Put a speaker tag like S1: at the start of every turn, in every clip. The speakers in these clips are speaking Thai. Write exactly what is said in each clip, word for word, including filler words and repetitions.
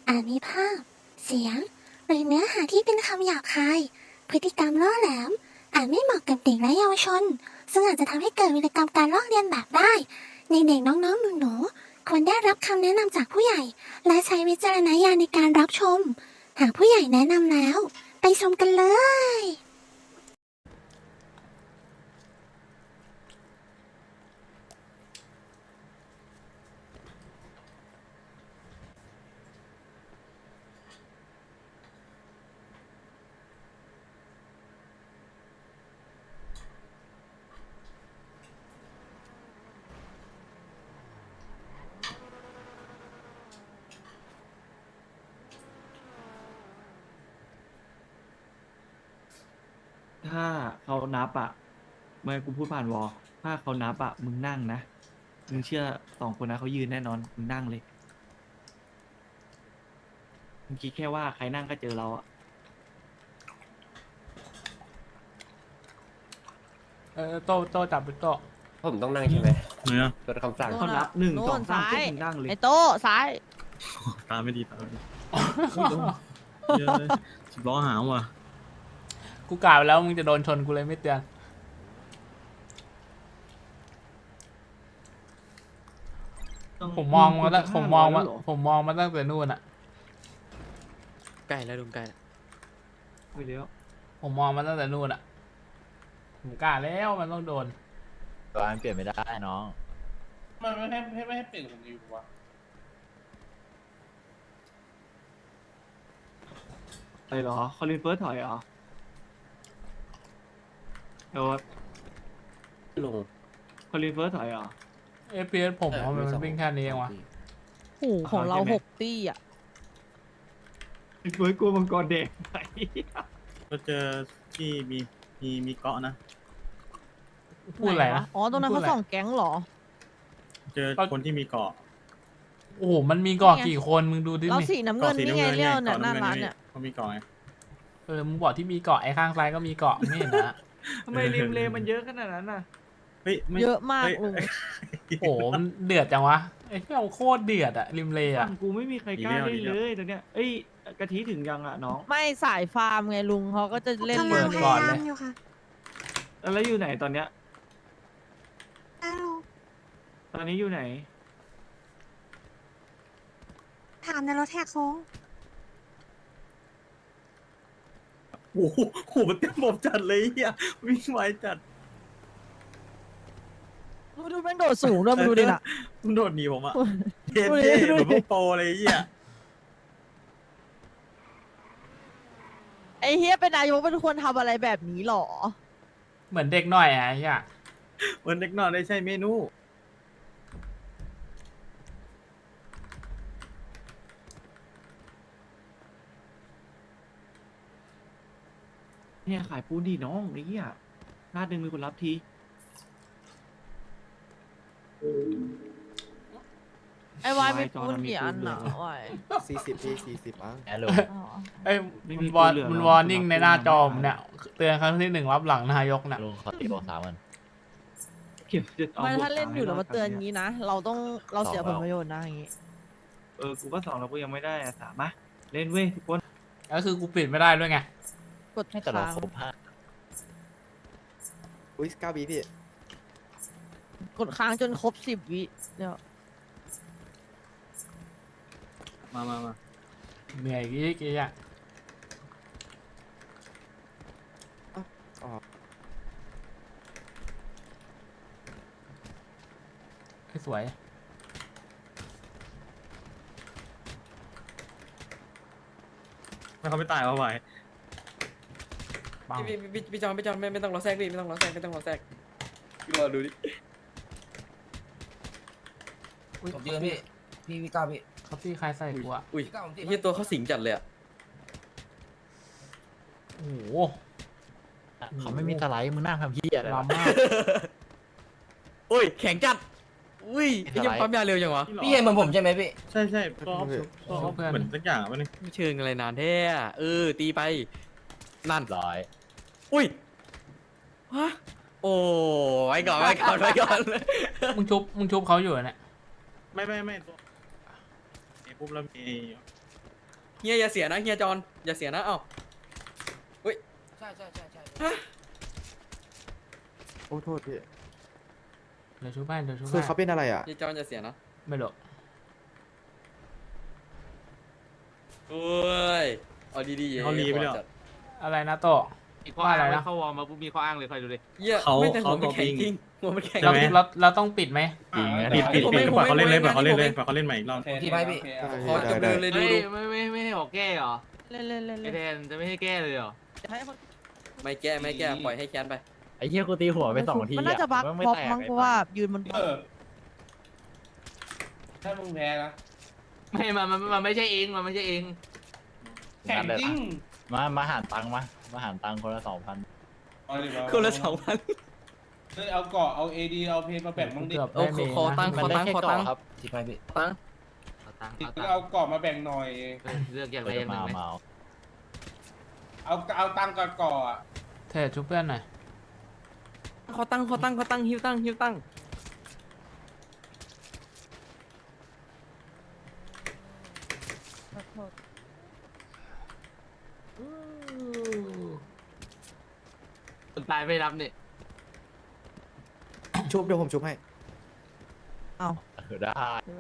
S1: อาจมีภาพเสียงหรือเนื้อหาที่เป็นคำหยาบคายพฤติกรรมล่อแหลมอาจไม่เหมาะกับเด็กและเยาวชนซึ่งอาจจะทำให้เกิดวิกรรมการลอกเลียนแบบได้ในเด็กน้องๆหนูๆควรได้รับคำแนะนำจากผู้ใหญ่และใช้วิจารณญาณในการรับชมหากผู้ใหญ่แนะนำแล้วไปชมกันเลย
S2: ถ้าเขานับอ่ะเมื่อกูพูดผ่านวอลถ้าเขานับอ่ะมึงนั่งนะมึงเชื่อสองคนนะเขายืนแน่นอนมึงนั่งเลยมึงคิดแค่ว่าใครนั่งก็เจอเราอ่ะ
S3: เออโตโตจับเป็นโต
S4: ผมต้องนั่งใช่ไหม
S5: เนี่ย
S4: กดคำสั่ง
S2: เขานับหนึ่ง
S6: โน่น
S2: สองสาม
S6: ซ้าย
S2: ปุ๊บมึงนั่งเลย
S6: ไอ้โต้ซ้าย
S5: ตาไม่ดีตาไม่ดีเยอะสิบล้อหามว่ะ
S3: กูกล่าวไปแล้วมึงจะโดนชนกูเลยไม่เตือนผมมองมาตั้งผมมองมาผมมองมาตั้งแต่นู่นอ่ะ
S7: ใกล้แล้วลุงใกล้แล้ว
S2: ไปแล้ว
S3: ผมมองมาตั้งแต่นู่นอ่ะผมกล้าแล้วมันต้องโดน
S8: ตัวอันเปลี่ยนไม่ได้น้อง
S9: มันไม่ให้ไม่ให้ไม่ให้เปลี่ยนผมอยู่วะ
S2: อะไรเหรอคอลินเฟิร์สถอยเหรอโดด
S4: ลุง
S2: คอลินเฟิร์สถอยเหรอ
S3: เอฟพีเอสผมว่ามันวิ่งแค่นี้เองวะ
S6: โอ้โหของเรา
S2: ใช่ไหม
S6: หกตี้อ่ะ
S2: คอลินเฟิร์สกลัวมังกรแดงไป
S5: ก็เจอที่มีมีมีเกาะนะ
S3: พูดอะไร
S6: หว
S3: นะ
S6: อ๋อ ตรงนั้น
S3: พู
S6: เขา
S3: ดอะไร
S6: ส่องแก๊งเหรอ
S5: เจอคนที่มีเกาะ
S3: โอ้โหมันมีเกาะกี่คนมึงดูดิ
S6: เรา
S3: มี
S6: สีน้ำเงินนี่ไงเลี้ยวเนี่ยหน้าร้านเนี่ย
S5: เขามีเกาะไง
S3: เออมึงบอกที่มีเกาะไอ้ข้างซ้ายก็มีเกาะไม่เห็นนะ
S2: ทำไมริมเลมันเยอะขนาดนั้นน่ะ
S5: เฮ้ยไม่
S6: เยอะมาก
S5: ฮ้ย
S6: ลุง
S3: โอ้โหมันเดือดจังวะไอ้เหี้ยโคตรเดือดอะริมเลอะ
S2: ฝั่งกูไม่มีใครกล้าเล่นเลยตอนเนี้ยเอ้ยกะทิถึงยังอ่ะน้อง
S6: ไม่สายฟาร์มไงลุงเขาก็จะเล่น
S1: กำ
S6: เล
S1: ลัง
S6: ย
S1: พ
S3: ก่อน
S1: ยา
S3: เลย
S1: ยามอยู่ค่ะ
S2: แล้วอยู่ไหนตอนเนี้ย
S1: อ้าว
S2: ตอนนี้อยู่ไหน
S1: ถามในรถแท็กโค้ง
S5: โอ้โหโหมันเต็มบบจัดเลยเฮียวิ่งไวจัด
S6: ดูดูแม่งโดดสูงด้วยมาดูดิน่ะ
S5: มันโดดหนีผมอะเท่
S6: ดูดิ
S5: เท่
S6: ดู
S5: เห
S6: ดิ
S5: มือนพวกโปรเลยเฮีย
S6: ไอ้เฮียเป็นนายกเป็นควรทำอะไรแบบนี้หรอ
S3: เหมือนเด็กหน่อยอะไอ้เหี้ย
S5: วันเด็กนอนได้ใช่เมนู
S2: เนี่ยขายปูนดีน้องไอ้เหี้ยหน้าดึงมีคนรับที
S6: ไอ้วายไม่ปูนกี่อันหนาววาย
S4: สี่สิบพี่สี่สิบอ่ะ
S8: แอลลู
S6: อ๋อ
S3: เอ้ยมันวอร์มันวอร์นิ่งในหน้าจอผมเนี่ยเตือนครั้งที่หนึ่งรับหลังนายกเนี่ย
S8: ลุงเขาตีบอกสามมัน
S2: เก็บจะเอา
S6: ไม่
S2: บวก
S6: ถ้าเล่นอยู่
S2: ให้
S6: แล้วมาเตือน
S2: ร
S6: อย่างนี้นะ เราต้องเราเสียผลประโยชน์นะอย่างนี้
S2: เออกูก็สองแล้วกูยังไม่ได้อะสามมาเล่นเว้ยทุกคน
S3: ก็คือกูปิดไม่ได้ด้วยไง
S6: กด
S8: ให้แต่เรา
S6: ค้าง
S8: ครบห้า
S4: อุ้ยเก้าบีพี่
S6: กดค้างจนครบสิบวิเดี๋ยว
S5: มามามา
S3: เหนื่อยกี่กี่อ่ะ
S4: อ๋อ
S3: สวย
S5: ไม่เขาไม่ตายมาไหว
S3: ปัง
S7: พี่พี่พี่พี่จอนพี่จอนไม่ไม่ต้องรอแทรกพี่ไม่ต้องรอแทรกไม่ต้องรอแทรกพี่รอดูดิ
S10: ผมยืนพี่ พี่พี่ก้าวพี่
S3: เขาตีใครใส่กูอ่ะ
S7: อุ้ย
S10: พี่ก้าวผมตี
S7: ไอ้เฮียตัวเขาสิงจัดเลยอะ
S3: โอ้โห
S8: เขาไม่มีสไลด์มึงนั่งทำเหี้ยอะไรวะ
S3: ล้ำมาก
S7: โอ้ยแข็งจัดอุ้ยไอ้เหี้ยังปั๊มยาเร็วจังวะ
S10: พี่เห็นเหมือนผมใช่ไหมพี่
S5: ใช่ใช่ก็ออฟก็ออฟเหมือนสักอย่างอะมันง
S7: ไม่เชิงอะไรนานแท้อะเออตีไปนั่น
S8: ร้อย
S7: อุ้ยฮะโอ้ไว้ก่อนไว้ก่อนไว้ก่อน
S3: มึงชุบมึงชุบเขาอยู่เนี่ย
S5: ไม่ไม่ไม่ตัวเอปุ๊บแล้วมี
S7: เฮียอย่าเสียนะเฮียจอนอย่าเสียนะเอ้า
S10: ใช่ใช่ใช่ใช่
S4: โอ้โทษพี่
S3: เดี๋ยวชุบให้เดี๋ยวชุบ
S4: คือ
S3: ให้
S4: เขาเป็นอะไรอ่ะ
S7: เฮียจอนอย่าเสียนะ
S3: ไม่หรอก
S7: โอ้ยเอาดีๆ
S5: เขารีไปแล้ว
S7: จัด
S3: อะไรนะโตว่าอะไรนะ
S8: เข้าวอร์มมาปุ๊บมีข้ออ้างเลยคอยดูดิ
S7: เฮีย
S5: เขา
S7: ไม่แต่หั
S5: เขา
S7: วมันแข็ง
S5: copying
S7: จริงหัวมันแข็ง
S3: เรา
S5: ใช่ไหม
S3: เราเราต้องปิดไหม
S5: จริงนะ
S7: ปิ
S5: ปิ
S7: ด
S5: ด
S7: ปิ
S5: ปิ
S7: ด
S5: ด
S7: ผม
S5: ปิด
S7: ไม่
S5: ปล่อยเขาเล่นเลย
S7: ผมไม่
S5: ปล่อยเขาเล่นเลย
S7: ผมไม่
S5: ปล่อยเขาเล่นใหม่อีกรอบ
S10: ที่ไปพี่
S7: ขอจับมือเลยดู
S8: เฮ้ย
S7: ดู
S8: ไม่ไม่ไม่ให้ออกแก้เหรอ
S6: เล่นเล่นเล่น
S8: ไอ
S6: เล่น
S8: แทนจะไม่ให้แก้เลยเหรอ
S6: จะให้คน
S7: ไม่แก้ไม่แก้ปล่อยให้แคนไป
S8: ไอ้เหี้ยกูตีหัวไปสองที
S6: มันน่าจะบัก
S8: ไม่
S6: บล็อก
S8: แตก
S6: มั้งเพราะว่ายืนบนบล็
S9: เอ
S6: อก
S9: อถ้ามึงแพ้นะ
S8: ไม่มันมันมันไม่ใช่เองมันไม่ใช่เอง
S9: แข่งจริง
S8: มามาหารตังค์มามาหารตังค์คนละสองพัน
S9: เอาดิวะ
S7: คนละสองพัน
S9: เฮ้ยเอาเกาะเอาเอดีเอาเพนมาแบ่งบ้างดิ
S3: เกือบ
S7: โอ้
S3: ได้เม
S7: ขอ
S3: นะ
S7: ตั้ง
S8: มันได้แค่
S7: ขอ
S8: เกาะ
S7: ตังค์
S8: ครับ
S10: ที่ไปพี่
S7: ตั้ง
S8: เอาตังค์
S9: ติด
S8: เอาตัง
S9: เอา
S8: ค์
S9: เกาะมาแบ่งหน่อย
S8: เออเลือกอย่างใดอย่างหนึ่งไหม มาเอา
S9: เอาเอาตังค์กับเกาะอะ
S3: เทรดชุบเพื่อนหน่อย
S7: ขอตั้งขอตั้งขอตั้งฮิวตั้งฮิวตั้ง
S8: คนตายไม่รับเนี่ย
S4: ชุบเดี๋ยวผมชุบให้
S8: เออได้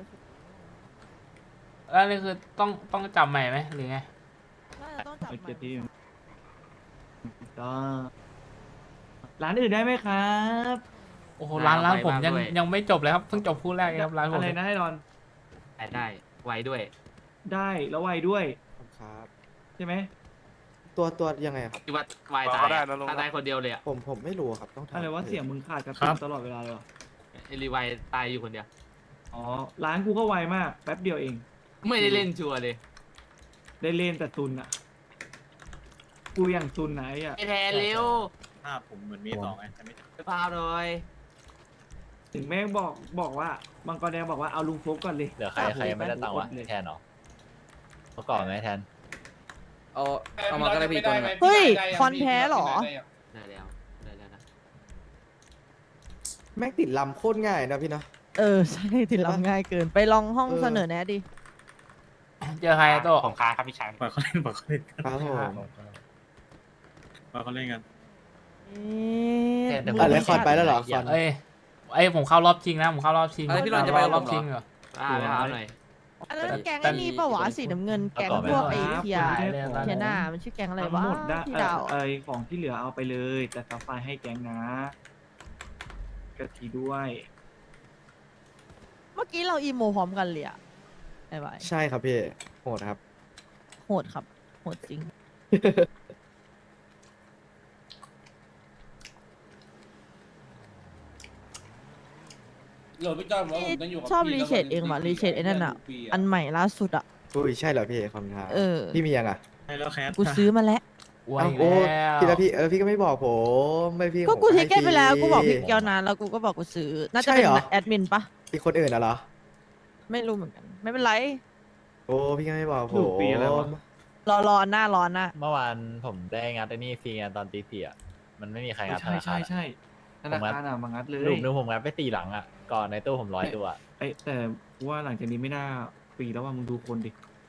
S3: แล้วนี่คือต้องต้องจับใหม่ไหมหรือไง
S6: น่าจะต้องจับใหม่
S2: เก็บที่ก็ร้านอื่นได้ไหมครับ
S3: โอ้โหร้านร้านผมยังยังไม่จบเลยครับเพิ่งจบคู่แรกเองครับร้านผม
S2: อะไรนะให้รอน
S8: ได้ได้ไวด้วย
S2: ได้แล้วไวด้วย
S4: ครับ
S2: ใช่ไหม
S4: ตัวตัวยังไงอะครับ
S8: ที่ว่าไวตายอะถ้าได้คนเดียวเลยอะ
S4: ผมผมไม่รู้อะครับต้องถาม
S2: อะไรว่าเสียงมึงขาดกระ
S5: ครั
S2: ตุ
S5: บ
S2: กตลอดเวลาเลยเหรอ
S8: ไอรีไวตายอยู่คนเดียว
S2: อ๋อร้านกูก็ไวมากแป๊บเดียวเอง
S8: ไม่ได้เล่นชัวร์เลย
S2: ได้เล่นแต่ตุนอ่ะ กูอย่างตุนไหนอ่ะ
S8: ไอแทนเร็ว
S5: ภาพผมเหมือนมีสองไงแต่ไม่
S8: ไปพาหน่อย
S2: ถึงแม่งบอกบอกว่ามังกรแดงบอกว่าเอาลุงโฟกก่อนเลย
S8: เหลือใครใครยังไม่ได้ตังค์วะ
S2: เลย
S8: แทนเหรอเขาก่อนไหมแทน
S7: เอาเอามาก็ได้พี่ตัวนึงอะ
S6: เฮ้ยคอนแพ้เหรอ
S8: ได้แล้วได้แล้วนะ
S4: แม่งติดลำโคตรง่ายนะพี่เนาะ
S6: เออใช่ติดลำง่ายเกินไปลองห้อง
S4: เออ
S6: เสนอแนะดิ
S3: เจอใครอะโต
S8: ผมค้าครับพี่ชาย
S5: ปล่อยเขาเล่นปล่อยเขาเล่นกัน
S4: ครับผม
S5: ปล่อยเขาเล่นกัน
S6: เอ๊ะ
S4: อ่ะแล้วคอนไปแล้วเหรอคอน
S3: เอ้ยไอ้ยผมเข้ารอบชิงนะผมเข้ารอบชิง
S7: อะไรพี่รอนจะไปกับ
S3: ร
S7: ผ
S3: อบ
S7: มเหรอ
S3: ชิงเหรอ
S8: อ่าไปหาหน่อย
S6: อันนั้นแก๊งไอ้นี่ปะวะสีน้ำเงินแก๊งพวกไอ้เทีย
S2: ครับ
S6: เทียน่ามันชื่อแก๊งอะไร
S2: ทั้ง
S6: วะ
S2: หมดได้
S6: ที่
S2: เอ่
S6: ดา
S2: อ
S6: ว
S2: เอยของที่เหลือเอาไปเลย แต่ซัฟไฟให้แก๊งนะกะทิด้วย
S6: เมื่อกี้เราอีโมพร้อมกันเลยอะไอ้ไว้
S4: ใช่ครับพี่โหดครับ
S6: โหดครับโหดจริง
S9: โหลดพี่จอมว่าผมต้องอยู่กับ
S6: ชอบ
S9: พี่
S6: รีเชดเองว่ะ
S9: แล้ว
S6: รีเชดไอ้นั่นอะ
S9: ปี
S6: อันใหม่ล่าสุดอะ
S4: อุ้ยใช่เหรอพี่คำถาม
S6: เออ
S4: พี่มียังอ่ะ
S5: ให้แล้วแคส
S6: กูซื้อมาแล้ว
S3: อวย
S4: เอ้า
S3: อีก
S4: โอ้
S3: แล้ว
S4: พี่แล้วพี่เออพี่ก็ไม่บอกผมไม่พี่
S6: ก็กู
S4: ผม
S6: ทิกเก็ตไปแล้ว
S4: ให้
S6: กูบอก
S4: ฟรี
S6: พี่เกียวนานแล้วกูก็บอกกูซื้อ น่าจะ
S4: ใช่
S6: เป็น
S4: เหรอ
S6: แอดมินปะ
S4: อีกคนอื่นน่ะเหรอ
S6: ไม่รู้เหมือนกัน ไม่เป็นไร
S4: โอ้พี่ก็ไม่บอกผ
S2: ถู
S4: ม
S2: กปีอะไรวะ
S6: รอรอหน้ารอหน้า
S8: เมื่อวานผมได้งัดไอ้นี่ฟรีงานตอนตีสี่อ่ะมันไม่มีใครงัดธ
S2: ใช่
S8: นา
S2: ใช่
S8: คาร
S2: ใช่ธนาคารอ่ะมางัดเลย
S8: ลูกนึงผมงัดไปตีหลังอ่ะก่อนในตู้ผมร้อยตัว
S2: ไอยแต่ว่าหลังจากนี้ไม่น่าปีแล้วว่ามึงดูคนดิ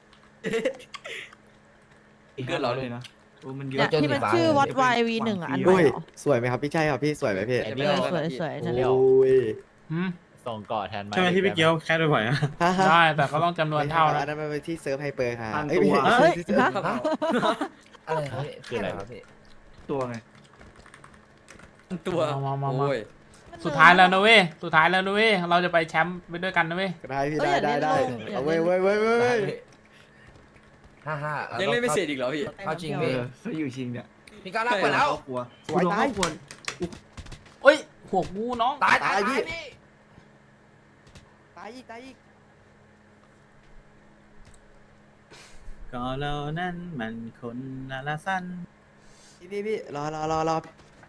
S7: เกินเหรอ
S2: เลยนะโอ้มันเย
S6: เนี่ย
S2: อะ
S6: ที่มันชื่อวัดวายวีหนึ่งอ่ะ อันใหม่
S4: อุ้ย
S6: เหรอ
S4: สวยไหมครับพี่ใช่ครับพี่สวยไหมพี่
S8: ไอ้
S6: เอ
S8: เบี้ยว
S6: อสวยสวยนั่นแหละ
S4: โอ้ย
S3: หืม
S8: ส่งก่อแทนมา
S5: ใช่ไหมที่พี่เกียวแคสบ่อยๆอะ
S4: ฮ่าฮ่า
S3: ได้แต่ก็ต้องจำนวนเท่า
S4: อั
S3: นะ
S4: นนั้นมันเป็นที่เซิร์ฟไฮเปอร์ค่ะ
S2: พัน
S4: เอ้ย
S2: ตัว
S4: ไม่ใช่
S6: เฮ้ย
S4: ที่เซิร์ฟ
S6: ฮะ
S10: อะไรครับพี่
S8: คืออะไร
S10: ครับพี่
S2: ตัวไง
S7: ตัว
S3: มามามามา
S7: โอ้ย
S3: สุดท้ายแล้วนะเว้ยสุดท้ายแล้วนะเว้ยเราจะไปแชมป์ไปด้วยกันนะเว้ย
S4: ได้พี่
S6: เอ้
S4: ได้
S6: ย
S4: ได้
S6: อย่า
S4: ได้
S6: เล่น
S4: เอาเว้ยเว้ยเว้ยเว้ย
S10: ห้าห้า
S7: ยั
S10: ยัง
S7: เล่นไม่เสร็จอีกเหรอพี่
S10: เข้าจริง
S2: เอ
S10: พี่
S2: อเขาอยู่ชิงเนี่ย
S10: พี่ก้าวลากไปแล้ว
S2: ครอบครัว
S4: สวย
S2: กูโดน
S4: ตาย
S2: ครอบครัว
S3: เอ้ยหัวกูน้อง
S10: ตายตาย
S4: ตายพี่
S10: พี่
S4: ตายอีกตายอีก
S5: ก็เรานั้นมันคนละละสั้น
S4: พี่พี่พี่รอรอรอรอ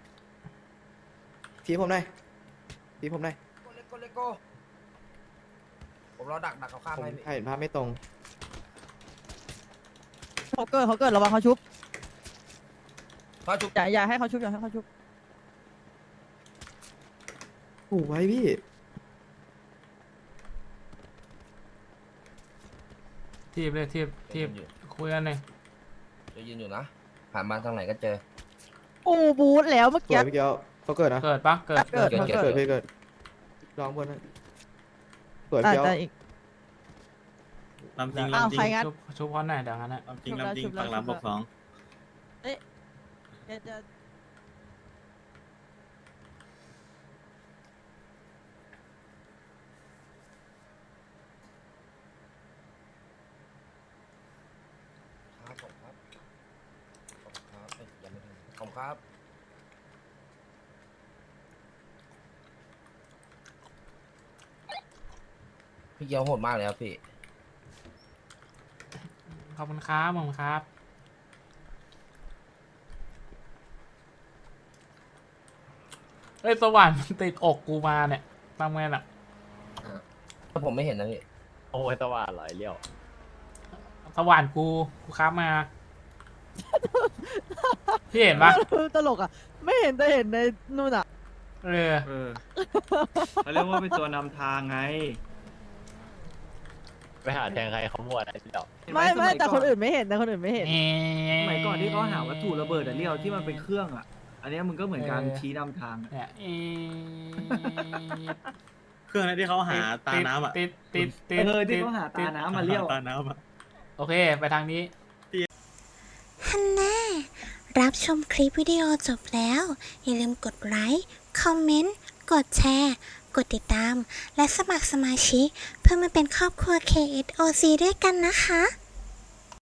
S4: ทีผมหน่อยทีผมหน่อย
S10: โกเลโกเลโกผมรอดักดักเขาข้าม
S4: ผม
S10: ให้พี่
S4: เห็นภาพไม่ตรง
S6: เขาเกิดเขาเกิดระวังเขาชุบ
S10: เขาชุบ
S6: อย่าอย่าให้เขาชุบอย่าให้เขาชุบ
S4: โอ้ไว้พี่
S3: ทีบเลยทีบทีบคุยกันเลย
S10: จะยืนอยู่นะผ่านมาทางไหนก็เจอ
S6: กูบูทแล้วเมื่อ
S4: ส
S6: กี้
S4: วยพี่เกียวเขาเกิดนะ
S3: เกิดปะเกิด
S6: เกิด
S10: เกิด
S6: มัน
S10: เกิด
S6: เกิ
S4: เกิ
S6: ด
S4: ดพี่เกิดลองบนนะสวย
S6: อา
S4: พี่
S6: จ
S4: เกียว
S6: จะอีก
S5: ลำจริง
S6: อ้าว
S5: ลำจริ
S6: ใครง งัด
S3: ชุบชุบพร้อมหน่อยเดี๋ยวงั้นนะ
S5: ลำจริงลำจริงฝั่งลำบอกสอง
S6: เดี๋ยวจะ
S10: ครับผมครับขอบคุณครับเอ้ยยังไม่ถึงขอบคุณครับพี่เกียวโหดมากเลยครับพี่
S3: ขอบคุณครับขอบคุณครับเฮ้ยสว่านมันติดอกกูมาเนี่ยทำไงล่ะ
S10: ถ้าผมไม่เห็นนะพี่
S8: โอ้ยตะวันหลอยเลี้ยว
S3: สว่านกูกูครับมา พี่เห็นปะ
S6: ตลกอ่ะ ไม่เห็นแต่เห็นในนู่นอ่ะ
S3: เออ
S2: เออเขาเรียกว่าเป็นตัวนำทางไง
S8: ไปหาแทงใครเขามั่วนะเลี้ยว
S2: เห็นห
S6: ไม่ไม่
S2: สย
S6: แต่
S2: ก่อ
S6: คนอื่นไม่เห็นแต่คนอื่นไม่เห็น
S2: สมัยก่อนที่เขาหาวัตถุระเบิดอะเรียวที่มันเป็นเครื่องอะอันเนี้ยมึงก็เหมือนการ
S3: เออ
S2: ชี้นำทางอะ
S3: เนี่ยเอ
S5: เครื่องนั้นที่เขาหาตาน้ำอ่ะ
S3: ติดติดติด
S2: เออที่
S3: ติด
S2: เขาหาตาน้ำมาเรียว
S5: ตาน้ำอ่ะ
S3: โอเค ไปทางนี้
S1: ฮันน่ารับชมคลิปวิดีโอจบแล้ว อย่าลืมกดไลค์ คอมเมนต์ กดแชร์ กดติดตาม และสมัครสมาชิก เพื่อมาเป็นครอบครัว เค เอส โอ ซี ด้วยกันนะคะ